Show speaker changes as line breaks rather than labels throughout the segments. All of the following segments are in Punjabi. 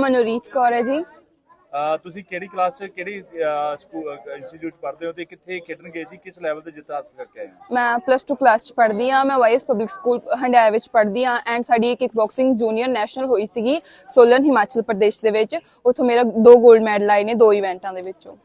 ਨਾਮ ਅਨੁਰੀਤ ਕੌਰ ਹੈ ਜੀ।
ਤੁਸੀਂ ਕਿਹੜੀ ਕਲਾਸ 'ਚ ਕਿਹੜੀ ਸਕੂਲ ਇੰਸਟੀਚਿਊਟ ਪੜ੍ਹਦੇ ਹੋ ਤੇ ਕਿੱਥੇ ਖੇਡਣ ਗਏ ਸੀ, ਕਿਸ ਲੈਵਲ ਤੇ ਜਿੱਤ ਹਾਸਲ ਕਰਕੇ ਆਏ ਹੋ?
ਮੈਂ +2 ਕਲਾਸ 'ਚ ਪੜ੍ਹਦੀ ਹਾਂ। ਮੈਂ ਵਾਈਐਸ ਪਬਲਿਕ ਸਕੂਲ ਹੰਡਿਆਇਆ ਵਿੱਚ ਪੜ੍ਹਦੀ ਹਾਂ ਐਂਡ ਸਾਡੀ ਕਿਕ ਬਾਕਸਿੰਗ ਜੂਨੀਅਰ ਨੈਸ਼ਨਲ ਹੋਈ ਸੀਗੀ ਸੋਲਨ ਹਿਮਾਚਲ ਪ੍ਰਦੇਸ਼ ਦੇ ਵਿੱਚ। ਉੱਥੋਂ ਮੇਰਾ 2 골ਡ ਮੈਡਲ ਆਏ ਨੇ 2 ਇਵੈਂਟਾਂ ਦੇ ਵਿੱਚੋਂ।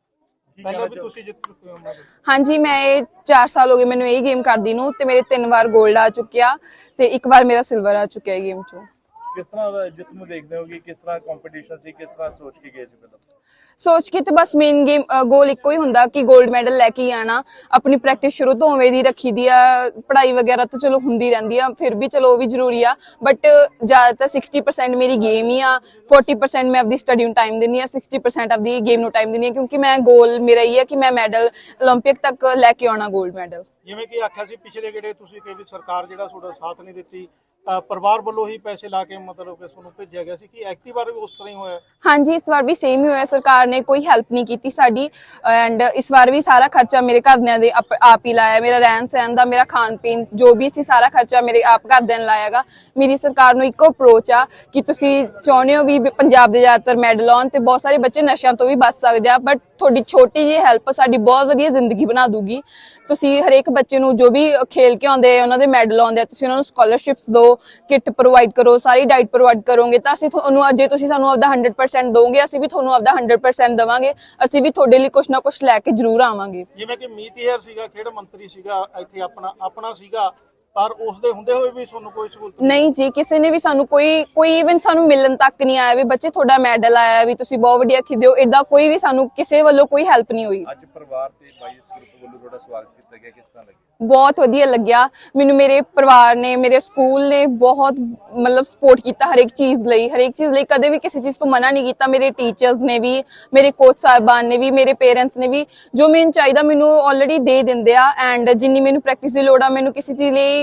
ਪਹਿਲਾਂ ਵੀ ਤੁਸੀਂ ਜਿੱਤ ਚੁੱਕੇ ਹੋ?
ਹਾਂਜੀ, ਮੈਂ ਇਹ 4 ਸਾਲ ਹੋ ਗਏ ਮੈਨੂੰ ਇਹ ਗੇਮ ਕਰਦੀ ਨੂੰ ਤੇ ਮੇਰੇ 3 ਵਾਰ 골ਡ ਆ ਚੁੱਕਿਆ ਤੇ 1 ਵਾਰ ਮੇਰਾ ਸਿਲਵਰ ਆ ਚੁੱਕਿਆ ਇਹ ਗੇਮ 'ਚੋਂ।
ਕਿਸ ਤਰ੍ਹਾਂ ਜਿੱਤ ਨੂੰ ਦੇਖਦੇ ਹੋ ਕਿ ਕਿਸ ਤਰ੍ਹਾਂ ਕੰਪੀਟੀਸ਼ਨ ਸੀ, ਕਿਸ ਤਰ੍ਹਾਂ ਸੋਚ ਕੇ ਗਏ ਸੀ ਪਹਿਲਾਂ?
ਸੋਚ ਕੇ ਤੇ ਬਸ ਮੇਨ ਗੇਮ ਗੋਲ ਇੱਕੋ ਹੀ ਹੁੰਦਾ ਕਿ 골ਡ ਮੈਡਲ ਲੈ ਕੇ ਆਣਾ। ਆਪਣੀ ਪ੍ਰੈਕਟਿਸ ਸ਼ੁਰੂ ਤੋਂ ਉਵੇਂ ਦੀ ਰੱਖੀ ਦੀ ਆ। ਪੜ੍ਹਾਈ ਵਗੈਰਾ ਤਾਂ ਚਲੋ ਹੁੰਦੀ ਰਹਿੰਦੀ ਆ, ਫਿਰ ਵੀ ਚਲੋ ਉਹ ਵੀ ਜ਼ਰੂਰੀ ਆ, ਬਟ ਜ਼ਿਆਦਾਤਰ 60% ਮੇਰੀ ਗੇਮ ਹੀ ਆ। 40% ਮੈਂ ਆਪਦੀ ਸਟੱਡੀ ਨੂੰ ਟਾਈਮ ਦਿੰਦੀ ਆ, 60% ਆਪਦੀ ਗੇਮ ਨੂੰ ਟਾਈਮ ਦਿੰਦੀ ਆ, ਕਿਉਂਕਿ ਮੈਂ ਗੋਲ ਮੇਰਾ ਇਹ ਹੈ ਕਿ ਮੈਂ ਮੈਡਲ 올림픽 ਤੱਕ ਲੈ ਕੇ ਆਉਣਾ 골ਡ ਮੈਡਲ।
ਜਿਵੇਂ ਕਿ ਆਖਿਆ ਸੀ ਪਿਛਲੇ ਗੇੜੇ ਤੁਸੀਂ ਕਿ ਵੀ ਸਰਕਾਰ ਜਿਹੜਾ ਤੁਹਾਡਾ ਸਾਥ ਨਹੀਂ ਦਿੱਤੀ, ਪਰਿਵਾਰ ਵੱਲੋਂ ਹੀ ਪੈਸੇ ਲਾ ਕੇ ਮਤਲਬ ਕਿ ਤੁਹਾਨੂੰ ਭੇਜਿਆ ਗਿਆ ਸੀ, ਕਿ ਐਕਟਿਵ ਵਾਰ ਵੀ ਉਸ ਤਰ੍ਹਾਂ ਹੀ ਹੋਇਆ?
ਹਾਂਜੀ, ਇਸ ਵਾਰ ਵੀ ਸੇਮ ਹੀ ਹੋਇਆ। ਸਰਕਾਰ ਨੇ ਕੋਈ ਹੈਲਪ ਨਹੀਂ ਕੀਤੀ ਸਾਡੀ ਐਂਡ ਇਸ ਵਾਰ ਵੀ ਸਾਰਾ ਖਰਚਾ ਮੇਰੇ ਘਰਦਿਆਂ ਦੇ ਆਪ ਹੀ ਲਾਇਆ। ਮੇਰਾ ਰਹਿਣ ਸਹਿਣ ਦਾ, ਮੇਰਾ ਖਾਣ ਪੀਣ ਜੋ ਵੀ ਸੀ ਸਾਰਾ ਖਰਚਾ ਮੇਰੇ ਆਪ ਘਰਦਿਆਂ ਨੇ ਲਾਇਆਗਾ। ਮੇਰੀ ਸਰਕਾਰ ਨੂੰ ਇੱਕੋ ਅਪਰੋਚ ਆ ਕਿ ਤੁਸੀਂ ਚਾਹੁੰਦੇ ਹੋ ਵੀ ਪੰਜਾਬ ਦੇ ਜ਼ਿਆਦਾਤਰ ਮੈਡਲ ਆਉਣ ਤੇ ਬਹੁਤ ਸਾਰੇ ਬੱਚੇ ਨਸ਼ਿਆਂ ਤੋਂ ਵੀ ਬਚ ਸਕਦੇ ਆ, ਬਟ ਤੁਹਾਡੀ ਛੋਟੀ ਜਿਹੀ ਹੈਲਪ ਸਾਡੀ ਬਹੁਤ ਵਧੀਆ ਜ਼ਿੰਦਗੀ ਬਣਾ ਦੂਗੀ। ਤੁਸੀਂ ਹਰੇਕ ਬੱਚੇ ਨੂੰ ਜੋ ਵੀ ਖੇਲ ਕੇ ਆਉਂਦੇ ਉਹਨਾਂ ਦੇ ਮੈਡਲ ਆਉਂਦੇ ਆ, ਤੁਸੀਂ ਉਹਨਾਂ ਨੂੰ ਸਕਾਲਰਸ਼ਿਪਸ ਦਿਓ, ਕਿੱਟ ਪ੍ਰੋਵਾਈਡ ਕਰੋ, ਸਾਰੀ ਡਾਈਟ ਪ੍ਰੋਵਾਈਡ ਕਰੋਗੇ ਤਾਂ ਅਸੀਂ ਤੁਹਾਨੂੰ, ਜੇ ਤੁਸੀਂ ਸਾਨੂੰ ਆਪਦਾ 100% ਦੋਗੇ ਅਸੀਂ ਵੀ ਤੁਹਾਨੂੰ ਆਪਦਾ 100% ਦੇਵਾਂਗੇ। ਅਸੀਂ ਵੀ ਤੁਹਾਡੇ ਲਈ ਕੁਛ ਨਾ ਕੁਛ ਲੈ ਕੇ ਜ਼ਰੂਰ ਆਵਾਂਗੇ।
ਜਿਵੇਂ ਕਿ ਮੀਤ ਹੇਅਰ ਸੀਗਾ, ਖੇਡ ਮੰਤਰੀ ਸੀਗਾ, ਇੱਥੇ ਆਪਣਾ ਸੀਗਾ, ਪਰ ਉਸ ਦੇ ਹੁੰਦੇ ਹੋਏ ਵੀ ਤੁਹਾਨੂੰ ਕੋਈ ਸਹੂਲਤ
ਨਹੀਂ ਜੀ, ਕਿਸੇ ਨੇ ਵੀ ਸਾਨੂੰ ਕੋਈ ਇਵਨ ਸਾਨੂੰ ਮਿਲਣ ਤੱਕ ਨਹੀਂ ਆਇਆ ਵੀ ਬੱਚੇ ਤੁਹਾਡਾ ਮੈਡਲ ਆਇਆ, ਵੀ ਤੁਸੀਂ ਬਹੁਤ ਵਧੀਆ ਖੇਡੇ ਹੋ। ਏਦਾਂ ਕੋਈ ਵੀ ਸਾਨੂੰ ਕਿਸੇ ਵੱਲੋਂ ਕੋਈ ਹੈਲਪ ਨਹੀਂ ਹੋਈ।
ਅੱਜ ਪਰਿਵਾਰ ਤੇ ਵਾਈਐਸ ਗਰੁੱਪ ਵੱਲੋਂ ਤੁਹਾਡਾ ਸਵਾਗਤ ਕੀਤਾ ਗਿਆ, ਕਿਸ ਤਰ੍ਹਾਂ ਲੱਗਿਆ?
ਬਹੁਤ ਵਧੀਆ ਲੱਗਿਆ ਮੈਨੂੰ। ਮੇਰੇ ਪਰਿਵਾਰ ਨੇ, ਮੇਰੇ ਸਕੂਲ ਨੇ ਬਹੁਤ ਮਤਲਬ ਸਪੋਰਟ ਕੀਤਾ ਹਰੇਕ ਚੀਜ਼ ਲਈ ਕਦੇ ਵੀ ਕਿਸੇ ਚੀਜ਼ ਤੋਂ ਮਨਾ ਨਹੀਂ ਕੀਤਾ। ਮੇਰੇ ਟੀਚਰਸ ਨੇ ਵੀ, ਮੇਰੇ ਕੋਚ ਸਾਹਿਬਾਨ ਨੇ ਵੀ, ਮੇਰੇ ਪੇਰੈਂਟਸ ਨੇ ਵੀ, ਜੋ ਮੈਨੂੰ ਚਾਹੀਦਾ ਮੈਨੂੰ ਆਲਰੇਡੀ ਦੇ ਦਿੰਦੇ ਆ। ਐਂਡ ਜਿੰਨੀ ਮੈਨੂੰ ਪ੍ਰੈਕਟਿਸ ਦੀ ਲੋੜ ਆ, ਮੈਨੂੰ ਕਿਸੇ ਚੀਜ਼ ਲਈ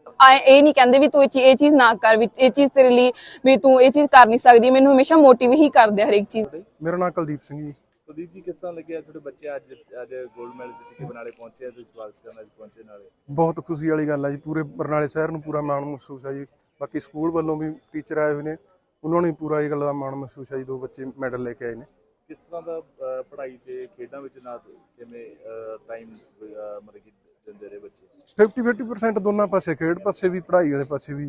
ਇਹ ਨਹੀਂ ਕਹਿੰਦੇ ਵੀ ਤੂੰ ਇਹ ਚੀਜ਼ ਨਾ ਕਰ, ਵੀ ਇਹ ਚੀਜ਼ ਤੇਰੇ ਲਈ ਵੀ ਤੂੰ ਇਹ ਚੀਜ਼ ਕਰ ਨਹੀਂ ਸਕਦੀ। ਮੈਨੂੰ ਹਮੇਸ਼ਾ ਮੋਟੀਵੇਟ ਹੀ ਕਰਦੇ ਹਰੇਕ ਚੀਜ਼।
ਮੇਰਾ ਨਾਮ ਕੁਲਦੀਪ ਸਿੰਘ ਜੀ।
ਕੁਲਦੀਪ ਜੀ, ਕਿਸ ਤਰ੍ਹਾਂ ਲੱਗਿਆ ਤੁਹਾਡੇ ਬੱਚੇ ਅੱਜ 골ਡ ਮੈਡਲ ਜਿੱਤ ਕੇ ਬਰਨਾਲੇ ਪਹੁੰਚੇ, ਤੁਸੀਂ ਸਵਾਗਤ ਕਰਨ ਅੱਜ ਪਹੁੰਚੇ ਨਾਲੇ?
ਬਹੁਤ ਖੁਸ਼ੀ ਵਾਲੀ ਗੱਲ ਹੈ ਜੀ, ਪੂਰੇ ਬਰਨਾਲੇ ਸ਼ਹਿਰ ਨੂੰ ਪੂਰਾ ਮਾਣ ਮਹਿਸੂਸ ਹੈ ਜੀ। ਬਾਕੀ ਸਕੂਲ ਵੱਲੋਂ ਵੀ ਟੀਚਰ ਆਏ ਹੋਏ ਨੇ, ਉਹਨਾਂ ਨੂੰ ਵੀ ਪੂਰਾ ਇਹ ਗੱਲ ਦਾ ਮਾਣ ਮਹਿਸੂਸ ਹੈ ਜੀ। 2 ਬੱਚੇ ਮੈਡਲ ਲੈ ਕੇ ਆਏ ਨੇ।
ਕਿਸ ਤਰ੍ਹਾਂ ਦਾ ਪੜ੍ਹਾਈ ਤੇ ਖੇਡਾਂ ਵਿੱਚ ਨਾ ਕਿਵੇਂ ਟਾਈਮ ਮਤਲਬ ਕਿ ਦਿੰਦੇ ਰਹੇ ਬੱਚੇ?
50% ਦੋਨਾਂ ਪਾਸੇ, ਖੇਡ ਪਾਸੇ ਵੀ ਪੜ੍ਹਾਈ ਵਾਲੇ ਪਾਸੇ ਵੀ।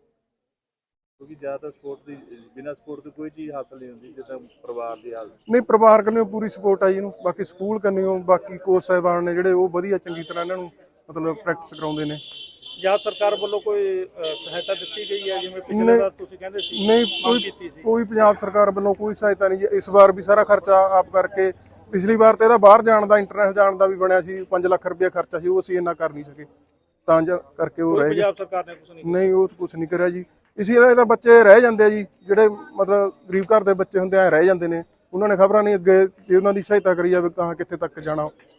ਕਿਉਂਕਿ ਜ਼ਿਆਦਾਤਰ ਸਪੋਰਟ ਦੀ ਬਿਨਾਂ ਸਪੋਰਟ ਤੋਂ ਕੋਈ ਚੀਜ਼ ਹਾਸਲ ਨਹੀਂ ਹੁੰਦੀ, ਜਿੱਦਾਂ ਪਰਿਵਾਰ ਦੀ ਹਾਲਤ।
ਨਹੀਂ, ਪਰਿਵਾਰ ਕੰਨਿਓ ਪੂਰੀ ਸਪੋਰਟ ਆ ਜੀ ਇਹਨੂੰ। ਬਾਕੀ ਸਕੂਲ ਕੰਨਿਓ ਬਾਕੀ ਕੋਚ ਸਾਹਿਬਾਨ ਨੇ ਜਿਹੜੇ ਉਹ ਵਧੀਆ ਚੰਗੀ ਤਰ੍ਹਾਂ ਇਹਨਾਂ ਨੂੰ ਮਤਲਬ ਪ੍ਰੈਕਟਿਸ ਕਰਾਉਂਦੇ ਨੇ।
ਜਾਂ ਸਰਕਾਰ ਵੱਲੋਂ ਕੋਈ ਸਹਾਇਤਾ ਦਿੱਤੀ ਗਈ ਹੈ? ਜਿਵੇਂ ਪਿਛਲੇ ਵਾਰ ਤੁਸੀਂ ਕਹਿੰਦੇ ਸੀ
ਨਹੀਂ, ਕੋਈ ਪੰਜਾਬ ਸਰਕਾਰ ਵੱਲੋਂ ਕੋਈ ਸਹਾਇਤਾ ਨਹੀਂ ਜੀ। ਇਸ ਵਾਰ ਵੀ ਸਾਰਾ ਖਰਚਾ ਆਪ ਕਰਕੇ, ਪਿਛਲੀ ਵਾਰ ਤੇ ਇਹਦਾ ਬਾਹਰ ਜਾਣ ਦਾ, ਇੰਟਰਨੈਸ਼ਨਲ ਜਾਣ ਦਾ ਵੀ ਬਣਿਆ ਸੀ, 5 ਲੱਖ ਰੁਪਇਆ ਖਰਚਾ ਸੀ, ਉਹ ਅਸੀਂ ਇੰਨਾ ਕਰ ਨਹੀਂ ਸਕੇ ਤਾਂ ਕਰਕੇ ਉਹ ਰਹਿ ਗਏ।
ਪੰਜਾਬ ਸਰਕਾਰ ਨੇ ਕੁਝ
ਨਹੀਂ, ਉਹ ਕੁਝ ਨਹੀਂ ਕਰਿਆ ਜੀ। ਇਸੇ ਇਹਦਾ ਬੱਚੇ ਰਹਿ ਜਾਂਦੇ ਆ ਜੀ, ਜਿਹੜੇ ਮਤਲਬ ਗਰੀਬ ਘਰ ਦੇ ਬੱਚੇ ਹੁੰਦੇ ਆ ਰਹਿ ਜਾਂਦੇ ਨੇ। ਉਹਨਾਂ ਨੇ ਖਬਰਾਂ ਨਹੀਂ ਅੱਗੇ ਜੇ ਉਹਨਾਂ ਦੀ ਸਹਾਇਤਾ ਕਰੀ ਜਾਵੇ ਕਹਾਂ ਕਿੱਥੇ ਤੱਕ ਜਾਣਾ।